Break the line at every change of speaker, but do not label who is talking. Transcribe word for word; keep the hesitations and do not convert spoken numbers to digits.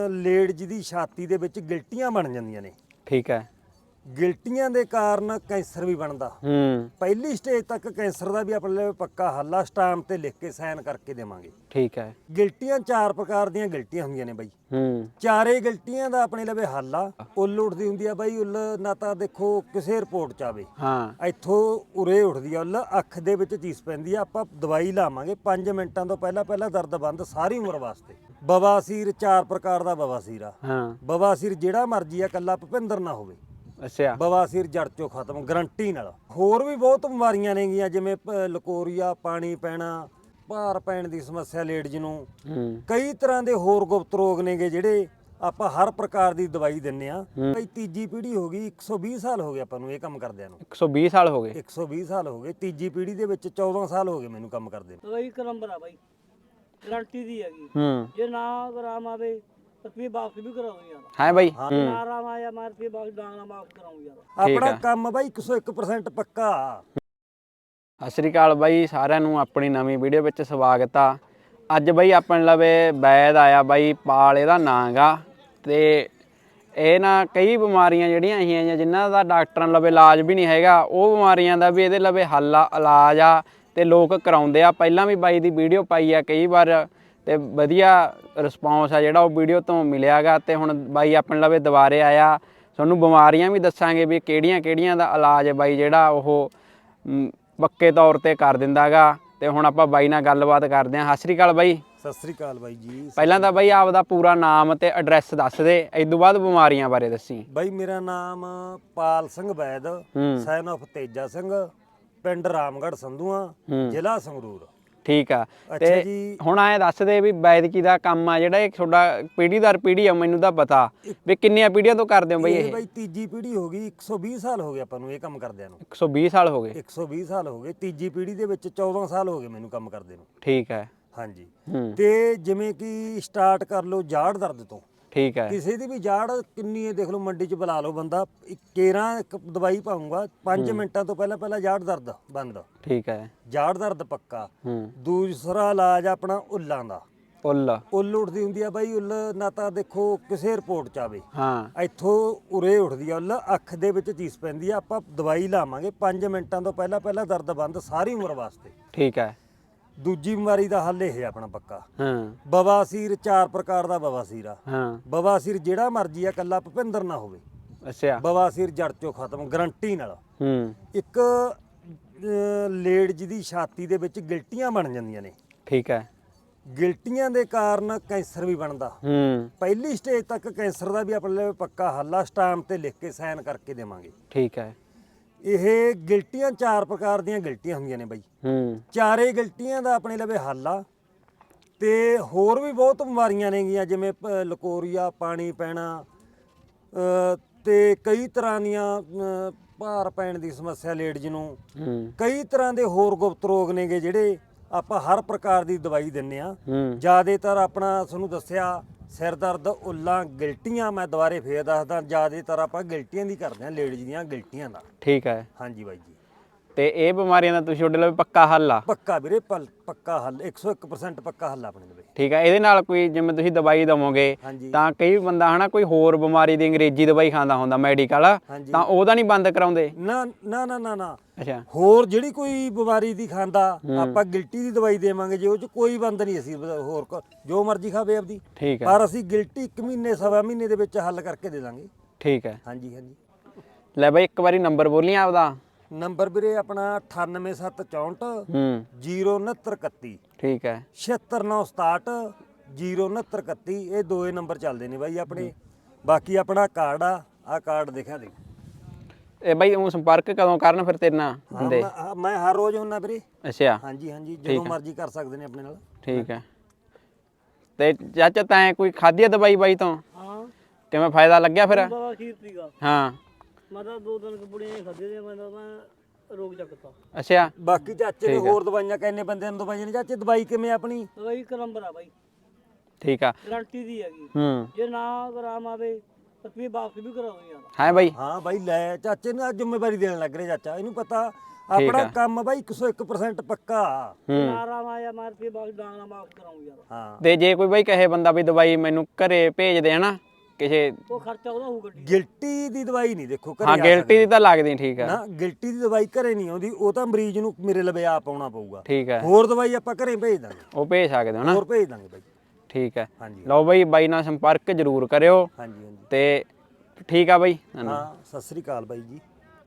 Ladies ਦੀ ਛਾਤੀ ਦੇ ਵਿੱਚ ਗਿਲਟੀਆਂ ਬਣ ਜਾਂਦੀਆਂ ਨੇ।
ਠੀਕ ਹੈ।
ਗਿਲਟੀਆਂ ਦੇ ਕਾਰਨ ਕੈਂਸਰ ਵੀ ਬਣਦਾ।
ਹੂੰ
ਪਹਿਲੀ ਸਟੇਜ ਤੱਕ ਕੈਂਸਰ ਦਾ ਵੀ ਆਪਣੇ ਲਈ ਪੱਕਾ ਹੱਲ ਆ, ਸਟਾਮ ਤੇ ਲਿਖ ਕੇ ਸਾਈਨ ਕਰਕੇ ਦੇਵਾਂਗੇ।
ਠੀਕ ਹੈ।
ਗਿਲਟੀਆਂ ਚਾਰ ਪ੍ਰਕਾਰ ਦੀਆਂ ਗਿਲਟੀਆਂ ਹੁੰਦੀਆਂ ਨੇ ਬਾਈ।
ਹੂੰ
ਚਾਰੇ ਗਿਲਟੀਆਂ ਦਾ ਆਪਣੇ ਲਵੇ ਹੱਲ ਆ। ਉੱਲ ਉੱਠਦੀ ਹੁੰਦੀ ਆ ਬਾਈ, ਉੱਲ ਨਾ ਤਾਂ ਦੇਖੋ ਕਿਸੇ ਰਿਪੋਰਟ ਚ ਆਵੇ,
ਹਾਂ
ਇੱਥੋਂ ਉਰੇ ਉੱਠਦੀ ਆ ਉੱਲ, ਅੱਖ ਦੇ ਵਿੱਚ ਚੀਸ ਪੈਂਦੀ ਆ। ਆਪਾਂ ਦਵਾਈ ਲਾਵਾਂਗੇ ਪੰਜ ਮਿੰਟਾਂ ਤੋਂ ਪਹਿਲਾਂ ਪਹਿਲਾਂ ਦਰਦ ਬੰਦ ਸਾਰੀ ਉਮਰ ਵਾਸਤੇ। ਬਵਾਸੀਰ ਚਾਰ ਪ੍ਰਕਾਰ ਦਾ ਬਵਾਸੀਰ ਆ।
ਹਾਂ
ਬਵਾਸੀਰ ਜਿਹੜਾ ਮਰਜੀ ਆ, ਕੱਲਾ ਭੁਪਿੰਦਰ ਨਾ ਹੋਵੇ।
ਅੱਛਾ
ਬਵਾਸੀਰ ਜੜ ਚੋਂ ਖਤਮ ਗਰੰਟੀ ਨਾਲ। ਹੋਰ ਵੀ ਬਹੁਤ ਬਿਮਾਰੀਆਂ ਨੇਗੀਆਂ, ਜਿਵੇਂ ਪ- ਲਕੋਰੀਆ, ਪਾਣੀ ਪੈਣਾ, ਭਾਰ ਪੈਣ ਦੀ ਸਮੱਸਿਆ ਲੇਡੀਜ਼ ਨੂੰ,
ਹੂੰ
ਕਈ ਤਰ੍ਹਾਂ ਦੇ ਹੋਰ ਗੁਪਤ ਰੋਗ ਨੇਗੇ ਜਿਹੜੇ ਆਪਾਂ ਹਰ ਪ੍ਰਕਾਰ ਦੀ ਦਵਾਈ ਦਿੰਨੇ ਆ। ਭਾਈ ਤੀਜੀ ਪੀੜ੍ਹੀ ਹੋ ਗਈ, ਇੱਕ ਸੌ ਵੀਹ ਸਾਲ ਹੋ ਗਏ ਆਪਾਂ ਨੂੰ ਇਹ ਕੰਮ ਕਰਦਿਆਂ ਨੂੰ।
ਇੱਕ ਸੌ ਵੀਹ ਸਾਲ ਹੋ ਗਏ।
ਇੱਕ ਸੌ ਵੀਹ ਸਾਲ ਹੋ ਗਏ। ਤੀਜੀ ਪੀੜ੍ਹੀ ਦੇ ਵਿੱਚ ਚੌਦਾਂ ਸਾਲ ਹੋ ਗਏ ਮੈਨੂੰ ਕੰਮ ਕਰਦੇ ਨੂੰ।
ਦਵਾਈ ਇੱਕ ਨੰਬਰ ਆ ਬਾਈ, ਗਰੰਟੀ ਦੀ ਹੈਗੀ।
ਹੂੰ
ਜੇ ਨਾ ਆਰਾਮ ਆਵੇ ਰੁਪਏ ਵਾਪਸ ਵੀ ਕਰਾਉਂ ਯਾਰ।
ਹੈ ਬਾਈ।
ਜੇ ਨਾ ਆਰਾਮ ਆਇਆ ਮੈਂ ਰੁਪਏ ਵਾਪਸ ਡਾਂਗਣਾ ਮਾਫ ਕਰਾਉਂ ਯਾਰ।
ਆਪਣਾ ਕੰਮ ਬਾਈ ਇੱਕ ਸੌ ਇੱਕ ਪਰਸੈਂਟ ਪੱਕਾ।
ਸਤਿ ਸ਼੍ਰੀ ਅਕਾਲ ਬਾਈ, ਸਾਰਿਆਂ ਨੂੰ ਆਪਣੀ ਨਵੀਂ ਵੀਡੀਓ ਵਿੱਚ ਸਵਾਗਤ ਆ। ਅੱਜ ਬਾਈ ਆਪਣੇ ਲਵੇ ਵੈਦ ਆਇਆ ਬਾਈ, ਪਾਲ ਇਹਦਾ ਨਾਂ ਗਾ। ਤੇ ਇਹ ਨਾ ਕਈ ਬਿਮਾਰੀਆਂ ਜਿਹੜੀਆਂ ਆਈਆਂ ਜਿਨ੍ਹਾਂ ਦਾ ਡਾਕਟਰਾਂ ਲਵੇ ਇਲਾਜ ਵੀ ਨਹੀਂ ਹੈਗਾ, ਉਹ ਬਿਮਾਰੀਆਂ ਦਾ ਵੀ ਇਹਦੇ ਲਵੇ ਹੱਲ ਆ, ਇਲਾਜ ਆ ਤੇ ਲੋਕ ਕਰਾਉਂਦੇ ਆ। ਪਹਿਲਾਂ ਵੀ ਬਾਈ ਦੀ ਵੀਡੀਓ ਪਾਈ ਆ ਕਈ ਵਾਰ ਤੇ ਵਧੀਆ ਰਿਸਪੌਂਸ ਆ ਜਿਹੜਾ ਉਹ ਵੀਡੀਓ ਤੋਂ ਮਿਲਿਆਗਾ। ਤੇ ਹੁਣ ਬਾਈ ਆਪਣੇ ਲਵੇ ਦੁਬਾਰੇ ਆਇਆ, ਤੁਹਾਨੂੰ ਬਿਮਾਰੀਆਂ ਵੀ ਦੱਸਾਂਗੇ ਵੀ ਕਿਹੜੀਆਂ ਕਿਹੜੀਆਂ ਦਾ ਇਲਾਜ ਬਾਈ ਜਿਹੜਾ ਉਹ ਪੱਕੇ ਤੌਰ ਤੇ ਕਰ ਦਿੰਦਾ ਗਾ। ਤੇ ਹੁਣ ਆਪਾਂ ਬਾਈ ਨਾਲ ਗੱਲਬਾਤ ਕਰਦੇ ਹਾਂ। ਸਤਿ ਸ਼੍ਰੀ ਅਕਾਲ ਬਾਈ।
ਸਤਿ ਸ੍ਰੀ ਅਕਾਲ ਬਾਈ ਜੀ।
ਪਹਿਲਾਂ ਤਾਂ ਬਾਈ ਆਪਦਾ ਪੂਰਾ ਨਾਮ ਤੇ ਐਡਰੈਸ ਦੱਸ ਦੇ, ਇਸ ਤੋਂ ਬਾਅਦ ਬਿਮਾਰੀਆਂ ਬਾਰੇ ਦੱਸੀ।
ਬਾਈ ਮੇਰਾ ਨਾਮ ਪਾਲ ਸਿੰਘ ਵੈਦ, ਸੈਨ ਆਫ ਤੇਜਾ ਸਿੰਘ, ਪਿੰਡ ਰਾਮਗੜ੍ਹ ਸੰਧੂਆਂ, ਜ਼ਿਲ੍ਹਾ ਸੰਗਰੂਰ।
ਠੀਕ ਆ।
ਅੱਛਾ
ਤੇ
ਜੀ।
ਹੁਣ ਐ ਦੱਸ ਦੇ ਵੀ ਵੈਦਕੀ ਦਾ ਕੰਮ ਆ ਜਿਹੜਾ ਇਹ ਤੁਹਾਡਾ ਪੀੜ੍ਹੀ ਦਰ ਪੀੜ੍ਹੀ ਆ, ਮੈਨੂੰ ਤਾਂ ਪਤਾ ਵੀ ਕਿੰਨੀਆਂ ਪੀੜ੍ਹੀਆਂ ਤੋਂ ਕਰਦੇ ਹੋ ਬਾਈ ਇਹ?
ਇਹ ਬਾਈ ਤੀਜੀ ਪੀੜ੍ਹੀ ਹੋ ਗਈ, ਇੱਕ ਸੌ ਵੀਹ ਸਾਲ ਹੋ ਗਏ ਆਪਾਂ ਨੂੰ ਇਹ ਕੰਮ ਕਰਦਿਆਂ ਨੂੰ।
ਇੱਕ ਸੌ ਵੀਹ ਸਾਲ ਹੋ ਗਏ।
ਇੱਕ ਸੌ ਵੀਹ ਸਾਲ ਹੋ ਗਏ। ਤੀਜੀ ਪੀੜ੍ਹੀ ਦੇ ਵਿੱਚ ਚੌਦਾਂ ਸਾਲ ਹੋ ਗਏ ਮੈਨੂੰ ਕੰਮ ਕਰਦੇ ਨੂੰ।
ਠੀਕ ਹੈ।
ਹਾਂਜੀ।
ਹੂੰ
ਤੇ ਜਿਵੇਂ ਕਿ ਸਟਾਰਟ ਕਰ ਲਓ ਜਾੜ ਦਰਦ ਤੋਂ।
ਠੀਕ ਹੈ।
ਕਿਸੇ ਦੀ ਵੀ ਜਾੜ ਕਿੰਨੀ ਹੈ ਦੇਖ ਲਓ, ਮੰਡੀ 'ਚ ਬੁਲਾ ਲਓ ਬੰਦਾ, ਕੇਰਾਂ ਇੱਕ ਦਵਾਈ ਪਾਉਂਗਾ ਪੰਜ ਮਿੰਟਾਂ ਤੋਂ ਪਹਿਲਾਂ ਪਹਿਲਾਂ ਜਾੜ ਦਰਦ ਬੰਦ।
ਠੀਕ ਹੈ।
ਜਾੜ ਦਰਦ ਪੱਕਾ।
ਹੂੰ
ਦੂਸਰਾ ਇਲਾਜ ਆਪਣਾ ਉੱਲਾਂ ਦਾ।
ਉੱਲ।
ਉੱਲ ਉੱਠਦੀ ਹੁੰਦੀ ਆ ਬਾਈ, ਉੱਲ ਨਾ ਤਾਂ ਦੇਖੋ ਕਿਸੇ ਰਿਪੋਰਟ ਚ ਆਵੇ,
ਹਾਂ
ਇੱਥੋਂ ਉਰੇ ਉੱਠਦੀ ਆ ਉੱਲ, ਅੱਖ ਦੇ ਵਿੱਚ ਚੀਸ ਪੈਂਦੀ ਆ। ਆਪਾਂ ਦਵਾਈ ਲਾਵਾਂਗੇ ਪੰਜ ਮਿੰਟਾਂ ਤੋਂ ਪਹਿਲਾਂ ਪਹਿਲਾਂ ਦਰਦ ਬੰਦ ਸਾਰੀ ਉਮਰ ਵਾਸਤੇ।
ਠੀਕ ਹੈ।
ਦੂਜੀ ਬਿਮਾਰੀ ਦਾ ਹੱਲ ਇਹ ਆਪਣਾ ਪੱਕਾ।
ਹਾਂ
ਬਵਾਸੀਰ ਚਾਰ ਪ੍ਰਕਾਰ ਦਾ ਬਵਾਸੀਰ ਆ।
ਹਾਂ
ਬਵਾਸੀਰ ਜਿਹੜਾ ਮਰਜੀ ਆ, ਕੱਲਾ ਭੁਪਿੰਦਰ ਨਾ ਹੋਵੇ।
ਅੱਛਾ।
ਬਵਾਸੀਰ ਜੜ ਚੋਂ ਖਤਮ ਗਰੰਟੀ ਨਾਲ।
ਹੂੰ
ਇੱਕ ਲੇਡੀਜ਼ ਦੀ ਛਾਤੀ ਦੇ ਵਿੱਚ ਗਿਲਟੀਆਂ ਬਣ ਜਾਂਦੀਆਂ ਨੇ।
ਠੀਕ ਹੈ।
ਗਿਲਟੀਆਂ ਦੇ ਕਾਰਨ ਕੈਂਸਰ ਵੀ ਬਣਦਾ।
ਹੂੰ
ਪਹਿਲੀ ਸਟੇਜ ਤੱਕ ਕੈਂਸਰ ਦਾ ਵੀ ਆਪਣੇ ਲਈ ਪੱਕਾ ਹੱਲ ਆ, ਸਟਾਮ ਤੇ ਲਿਖ ਕੇ ਸਾਈਨ ਕਰਕੇ ਦੇਵਾਂਗੇ।
ਠੀਕ ਹੈ।
ਇਹ ਗਿਲਟੀਆਂ ਚਾਰ ਪ੍ਰਕਾਰ ਦੀਆਂ ਗਿਲਟੀਆਂ ਹੁੰਦੀਆਂ ਨੇ ਬਾਈ।
ਹੂੰ
ਚਾਰੇ ਗਿਲਟੀਆਂ ਦਾ ਆਪਣੇ ਲਵੇ ਹੱਲ ਆ। ਤੇ ਹੋਰ ਵੀ ਬਹੁਤ ਬਿਮਾਰੀਆਂ ਨੇਗੀਆਂ, ਜਿਵੇਂ ਪ- ਲਕੋਰੀਆ, ਪਾਣੀ ਪੈਣਾ, ਅ, ਤੇ ਕਈ ਤਰ੍ਹਾਂ ਦੀਆਂ ਅ, ਭਾਰ ਪੈਣ ਦੀ ਸਮੱਸਿਆ ਲੇਡੀਜ਼ ਨੂੰ,
ਹੂੰ
ਕਈ ਤਰ੍ਹਾਂ ਦੇ ਹੋਰ ਗੁਪਤ ਰੋਗ ਨੇਗੇ ਜਿਹੜੇ ਆਪਾਂ ਹਰ ਪ੍ਰਕਾਰ ਦੀ ਦਵਾਈ ਦਿੰਨੇ ਆ।
ਹੂੰ
ਜ਼ਿਆਦਾਤਰ ਆਪਣਾ ਤੁਹਾਨੂੰ ਦੱਸਿਆ ਸਿਰ ਦਰਦ, ਉੱਲਾਂ, ਗਿਲਟੀਆਂ, ਮੈਂ ਦੁਬਾਰੇ ਫੇਰ ਦੱਸਦਾ, ਜ਼ਿਆਦਾਤਰ ਆਪਾਂ ਗਿਲਟੀਆਂ ਦੀ ਕਰਦੇ ਆ, ਲੇਡੀਜ਼ ਦੀਆਂ ਗਿਲਟੀਆਂ ਦਾ।
ਠੀਕ ਹੈ।
ਹਾਂਜੀ ਬਾਈ ਜੀ।
ਤੇ ਇਹ ਬਿਮਾਰੀਆਂ ਦਾ ਤੁਸੀਂ ਤੁਹਾਡੇ ਲਈ ਪੱਕਾ ਹੱਲ ਆ?
ਪੱਕਾ ਵੀਰੇ, ਪਲ- ਪੱਕਾ ਹੱਲ, ਇੱਕ ਸੌ ਇੱਕ ਪਰਸੈਂਟ ਪੱਕਾ ਹੱਲ ਆਪਣੇ ਲਈ।
ਠੀਕ ਹੈ। ਇਹਦੇ ਨਾਲ ਕੋਈ ਜਿਵੇਂ ਤੁਸੀਂ ਦਵਾਈ ਦਵੋਗੇ
ਹਾਂਜੀ
ਤਾਂ ਕਈ ਬੰਦਾ ਹਨਾ ਕੋਈ ਹੋਰ ਬਿਮਾਰੀ ਦੀ ਅੰਗਰੇਜ਼ੀ ਦਵਾਈ ਖਾਂਦਾ ਹੁੰਦਾ ਮੈਡੀਕਲ,
ਹਾਂਜੀ।
ਤਾਂ ਉਹਦਾ ਨਹੀਂ ਬੰਦ ਕਰਾਉਂਦੇ?
ਨਾ ਨਾ ਨਾ ਨਾ ਨਾ
ਅੱਛਾ।
ਹੋਰ ਜਿਹੜੀ ਕੋਈ ਬਿਮਾਰੀ ਦੀ ਖਾਂਦਾ ਆਪਾਂ ਗਿਲਟੀ ਦੀ ਦਵਾਈ ਦੇਵਾਂਗੇ, ਜੇ ਉਹ ਚ ਕੋਈ ਬੰਦ ਨਹੀਂ ਅਸੀਂ ਹੋਰ ਕ- ਜੋ ਮਰਜ਼ੀ ਖਾਵੇ ਆਪਦੀ,
ਠੀਕ ਹੈ।
ਪਰ ਅਸੀਂ ਗਿਲਟੀ ਇੱਕ ਮਹੀਨੇ ਸਵਾ ਮਹੀਨੇ ਦੇ ਵਿੱਚ ਹੱਲ ਕਰਕੇ ਦੇ ਦਾਂਗੇ।
ਠੀਕ ਹੈ।
ਹਾਂਜੀ ਹਾਂਜੀ।
ਲੈ ਬਾਈ ਇੱਕ ਵਾਰੀ ਨੰਬਰ ਬੋਲੀ ਆਪਦਾ।
ਨੰਬਰ ਵੀਰੇ ਆਪਣਾ ਅਠਾਨਵੇਂ ਸੱਤ ਚੌਂਹਠ
ਹੂੰ
ਜ਼ੀਰੋ ਉਣਹੱਤਰ ਇਕੱਤੀ,
ਠੀਕ ਹੈ।
ਛਿਹੱਤਰ ਨੌ ਸਤਾਹਠ ਜ਼ੀਰੋ ਉਣਹੱਤਰ ਇਕੱਤੀ। ਇਹ ਦੋਏ ਨੰਬਰ ਚੱਲਦੇ ਨੇ ਬਾਈ ਆਪਣੇ। ਬਾਕੀ ਆਪਣਾ ਕਾਰਡ ਆ, ਆ ਕਾਰਡ ਦੇਖਿਆ ਦੇ।
ਇਹ ਬਾਈ ਉਹ ਸੰਪਰਕ ਕਦੋਂ ਕਰਨ ਫਿਰ ਤੇਰੇ ਨਾਲ
ਹਾਂ,
ਹੁੰਦੇ?
ਮੈਂ- ਮੈਂ ਹਰ ਰੋਜ਼ ਹੁੰਦਾ ਵੀਰੇ।
ਅੱਛਾ।
ਹਾਂਜੀ ਹਾਂਜੀ, ਜਦੋਂ ਮਰਜ਼ੀ ਕਰ ਸਕਦੇ ਨੇ ਆਪਣੇ ਨਾਲ।
ਠੀਕ ਹੈ। ਤੇ ਚਾਚਾ ਤੈਂ ਕੋਈ ਖਾਧੀ ਆ ਦਵਾਈ ਬਾਈ ਤੋਂ?
ਹਾਂ
ਕਿਵੇਂ ਫਾਇਦਾ ਲੱਗਿਆ ਫਿਰ?
ਬਾਬਾ ਖੀਰ ਤੀਗਾ
ਹਾਂ।
ਮੈਂ ਤਾਂ ਦੋ ਦਿਨ ਕਪੜੀਆਂ ਖਾਦੇ ਦੇ, ਮੈਂ ਤਾਂ ਮੈਂ ਰੋਗ ਚੱਕਤਾ।
ਅੱਛਾ।
ਬਾਕੀ ਚਾਚੇ ਨੇ ਹੋਰ ਦਵਾਈਆਂ, ਕਹਿੰਨੇ ਬੰਦਿਆਂ ਨੂੰ ਦਵਾਈਆਂ ਨੇ। ਚਾਚੇ ਦਵਾਈ ਕਿਵੇਂ ਆਪਣੀ?
ਦਵਾਈ ਇੱਕ ਨੰਬਰ ਆ ਬਾਈ,
ਠੀਕ ਆ।
ਗਰੰਟੀ ਦੀ ਹੈਗੀ।
ਹੂੰ
ਜੇ ਨਾ ਆਰਾਮ ਆਵੇ ਰੁਪਏ ਵਾਪਸ ਵੀ ਕਰਾਉਂ ਯਾਰ।
ਹੈ ਬਾਈ।
ਹਾਂ ਬਾਈ ਲੈ, ਚਾਚੇ ਨੂੰ ਅੱਜ ਜ਼ਿੰਮੇਵਾਰੀ ਦੇਣ ਲੱਗ ਰਿਹਾ ਚਾਚਾ। ਇਹਨੂੰ ਪਤਾ ਆਪਣਾ ਕੰਮ ਬਾਈ ਇੱਕ ਸੌ ਇੱਕ ਪਰਸੈਂਟ ਪੱਕਾ।
ਹੂੰ
ਨਾਰਾ ਮਾਇਆ ਮਾਰ ਕੇ ਬਾਕੀ ਡਾਂਗਣਾ ਮਾਫ ਕਰਾਉਂ ਯਾਰ।
ਹਾਂ
ਤੇ ਜੇ ਕੋਈ ਬਾਈ ਕਹੇ ਬੰਦਾ ਵੀ ਦਵਾਈ ਮੈਨੂੰ ਘਰੇ ਭੇਜ ਦੇ ਹਨਾ ਕਿਸੇ,
ਉਹ ਖਰਚਾ ਉਹਦਾ ਹੋਊ ਗੱਡੀ
ਗਿਲਟੀ ਦੀ ਦਵਾਈ ਨਹੀਂ ਦੇਖੋ ਘਰੇ
ਹਾਂ
ਆ
ਗਿਲਟੀ ਦੀ ਤਾਂ ਲੱਗਦੀ ਠੀਕ ਆ।
ਨਾ ਗਿਲਟੀ ਦੀ ਦਵਾਈ ਘਰੇ ਨਹੀਂ ਆਉਂਦੀ, ਉਹ ਤਾਂ ਮਰੀਜ਼ ਨੂੰ ਮੇਰੇ ਲਵੇ ਆਪ ਆਉਣਾ ਪਊਗਾ।
ਠੀਕ ਹੈ,
ਹੋਰ ਦਵਾਈ ਆਪਾਂ ਘਰੇ ਭੇਜ ਦਾਂਗੇ,
ਉਹ ਭੇਜ ਸਕਦੇ ਹੋ ਨਾ।
ਹੋਰ ਭੇਜ ਦਾਂਗੇ ਬਾਈ।
ਠੀਕ ਹੈ,
ਹਾਂਜੀ
ਲਓ ਬਾਈ ਬਾਈ ਨਾਲ ਸੰਪਰਕ ਜ਼ਰੂਰ ਕਰਿਓ
ਹਾਂਜੀ ਹਾਂਜੀ
ਤੇ ਠੀਕ ਆ ਬਾਈ।
ਹਾਂ ਸਤਿ ਸ੍ਰੀ ਅਕਾਲ ਬਾਈ ਜੀ।